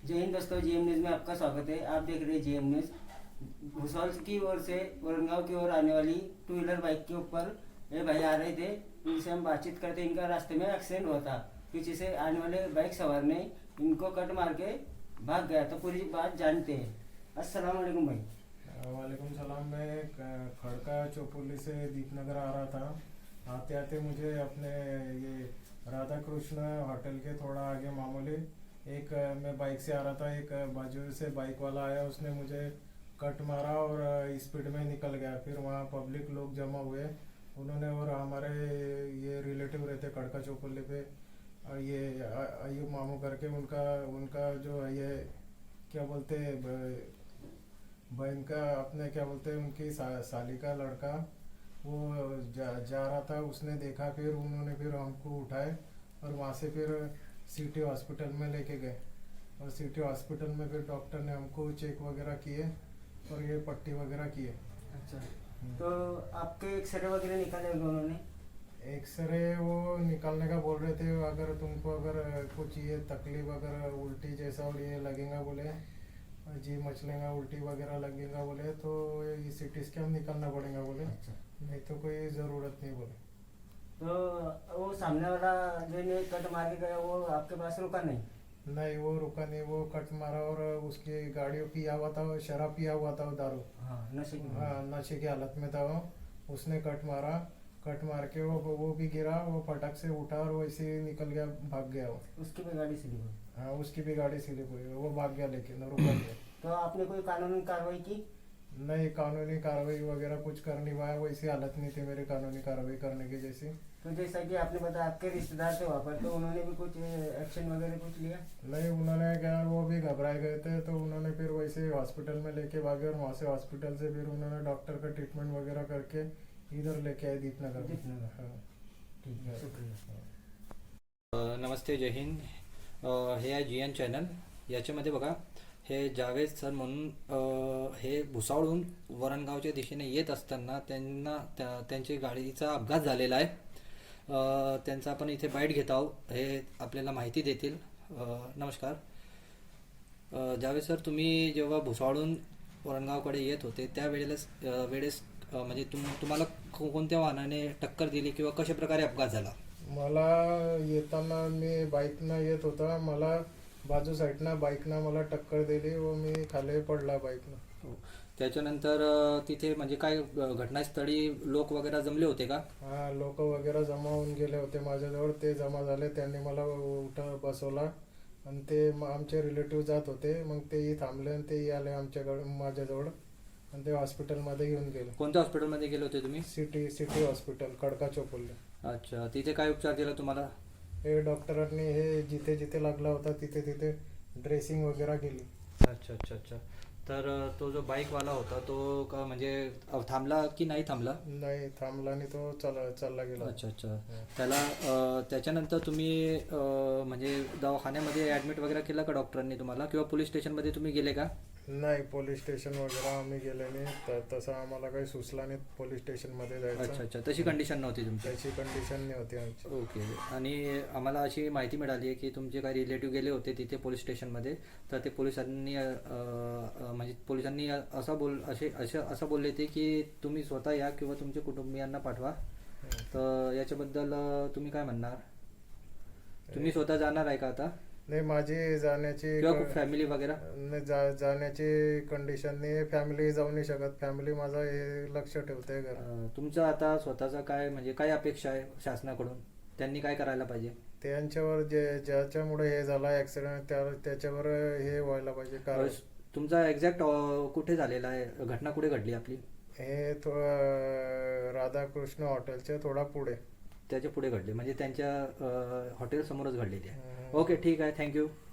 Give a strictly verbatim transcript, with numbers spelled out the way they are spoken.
जय हिंद दोस्तों, GM news में आपका स्वागत है। आप देख रहे हैं जीएम न्यूज़। भूसौल की ओर से वरंगाव की ओर आने वाली टू व्हीलर बाइक के ऊपर ये भाई आ रहे थे। इनसे हम बातचीत करते, इनका रास्ते में एक्सीडेंट हुआ था। पीछे से आने वाले बाइक सवार ने इनको कट मार के भाग गया। तो पूरी बात जानते हैं। अस्सलाम वालेकुम भाई। वालेकुम सलाम। मैं क- खड़का चौपुली से दीपनगर आ रहा था। आते आते मुझे अपने ये राधा कृष्ण होटल के थोड़ा आगे मामूली एक अ, मैं बाइक से आ रहा था, एक अ, बाजू से बाइक वाला आया, उसने मुझे कट मारा और अ, स्पीड में निकल गया। फिर वहाँ पब्लिक लोग जमा हुए, उन्होंने और हमारे ये रिलेटिव रहते खड़का चौपुली पे अ, ये अ- अयूब मामू करके, उनका उनका जो है ये क्या बोलते हैं ब- बहन का अपने क्या बोलते हैं उनकी सा, साली का लड़का वो जा, जा रहा था, उसने देखा, फिर उन्होंने फिर हमको उठाए और वहाँ से फिर सिटी हॉस्पिटल में लेके गए। और सिटी हॉस्पिटल में फिर डॉक्टर ने हमको चेक वगैरह किए और ये पट्टी वगैरह किए। अच्छा, तो आपके एक्सरे वगैरह निकाले होंगे उन्होंने? एक्सरे वो निकालने का बोल रहे थे, अगर तुमको अगर कुछ ये तकलीफ अगर उल्टी जैसा और ये लगेगा बोले, जी मचलेगा, उल्टी वगैरह लगेगा बोले, तो ये सीटी स्कैन निकालना पड़ेगा बोले। अच्छा, नहीं तो कोई ज़रूरत नहीं बोले। तो वो सामने वाला जो इन्हें कट मार के गया वो आपके पास रुका नहीं? नहीं वो रुका नहीं, वो कट मारा और उसकी गाड़ी पिया हुआ था, वो शराब पिया हुआ था, वो दारू। हाँ, नशे की हाँ नशे की हालत में था वो। उसने कट मारा, कट मार के वो वो भी गिरा, वो फटक से उठा और वैसे ही निकल गया, भाग गया वो। उसकी भी गाड़ी स्लिप हुई? हाँ उसकी भी गाड़ी स्लिप हुई, वो भाग गया लेकिन रुका नहीं। तो आपने कोई कानूनी कार्रवाई की? नहीं कानूनी कार्रवाई वगैरह कुछ कर नहीं पाया, वैसी हालत नहीं थी मेरी कानूनी कार्रवाई करने की जैसी। तो जैसा कि आपने बताया आपके रिश्तेदार थे वहाँ पर, तो उन्होंने भी कुछ एक्शन वगैरह कुछ लिया? नहीं उन्होंने क्या, वो भी घबराए गए थे, तो उन्होंने फिर वैसे हॉस्पिटल में लेके भागे और वहाँ से हॉस्पिटल से फिर उन्होंने डॉक्टर का ट्रीटमेंट वगैरह करके इधर लेके आए दीपनगर में। दीपनगर। हाँ ठीक है, शुक्रिया। अ, नमस्ते, जय हिंद. अ, हे आहे जी एन चॅनल. याच्यामध्ये बघा, हे जावेद सर म्हणून अ, हे भुसावळहून वरणगावच्या दिशेने येत असताना त्यांना त्या त्यांची गाडीचा अपघात झालेला आहे. अ, त्यांचा आपण इथे बाईट घेत आहोत, हे आपल्याला माहिती देतील. अ, नमस्कार. अ, जावेद सर, तुम्ही जेव्हा भुसावळहून वरणगावकडे येत होते त्यावेळेला अ, वेळेस अ, म्हणजे तुम तुम्हाला को- कोणत्या वाहनाने टक्कर दिली किंवा कशा प्रकारे अपघात झाला? मला येताना मी बाईकनं येत होता, मला बाजू साईडनं बाईकनं मला टक्कर दिली व मी खाली पडला बाईकनं. हो. त्याच्यानंतर अ, तिथे म्हणजे काय अ, घटनास्थळी लोक वगैरे जमले होते का? हा लोक वगैरे जमा होऊन गेले होते माझ्याजवळ, ते जमा झाले, त्यांनी मला उठा बसवला आणि ते म- आमचे रिलेटिव्ह जात होते, मग तेही थांबले आणि तेही आले आमच्याकडे माझ्याजवळ आणि ते हॉस्पिटलमध्ये घेऊन गेले. कोणत्या हॉस्पिटलमध्ये गेले होते तुम्ही? City city hospital Khadka Chaufuli. अच्छा, तिथे काय उपचार दिला तुम्हाला? हे डॉक्टरांनी हे जिथे जिथे लागला होता तिथे तिथे ड्रेसिंग वगैरे केली. अच्छा अच्छा अच्छा. तर अ, तो जो बाईकवाला होता तो का म्हणजे अ, थांबला की नाही थांबला? नाही थांबला आणि तो चाल चालला गेला. अच्छा अच्छा. त्याला अ, त्याच्यानंतर तुम्ही अ, म्हणजे दवाखान्यामध्ये ॲडमिट वगैरे केलं का डॉक्टरांनी तुम्हाला, किंवा पोलीस स्टेशनमध्ये तुम्ही गेले का? नाही पोलीस स्टेशन वगैरे आम्ही गेले नाही, त- तसं आम्हाला काही सुचला नाही पोलीस स्टेशनमध्ये अच्छा जायचं. अच्छा. तशी कंडिशन नव्हती तुमची? त्याची कंडिशन नाही होती आमची. ओके. आणि आम्हाला अशी माहिती मिळाली आहे की तुमचे काही रिलेटिव्ह गेले होते तिथे पोलीस स्टेशनमध्ये, तर ते पोलिसांनी अ, अ, म्हणजे पोलिसांनी असं बोल असे असे असं बोलले ते की तुम्ही स्वतः या किंवा तुमच्या कुटुंबियांना पाठवा. तर याच्याबद्दल अ, तुम्ही काय म्हणणार? तुम्ही स्वतः जाणार आहे का आता, नाही माझी जाण्याची किंवा खूप फॅमिली वगैरे? नाही जा जाण्याची कंडिशन नाही, फॅमिली जाऊ नाही शकत, फॅमिली माझा हे लक्ष ठेवते घर. अ, तुमचं आता स्वतःचा काय म्हणजे काय अपेक्षा आहे शासनाकडून? त्यांनी काय करायला पाहिजे? त्यांच्यावर जे ज्याच्यामुळे हे झाला ॲक्सिडेंट त्या त्याच्यावर हे व्हायला पाहिजे. अ, कारण तुमचा एक्झॅक्ट कुठे झालेला आहे, घटना कुठे घडली आपली? हे थोडं राधाकृष्ण हॉटेलच्या थोडा पुढे. त्याच्या पुढे घडली म्हणजे त्यांच्या हॉटेल समोरच घडलेली आहे. हम्म. ओके, ठीक आहे, थँक्यू.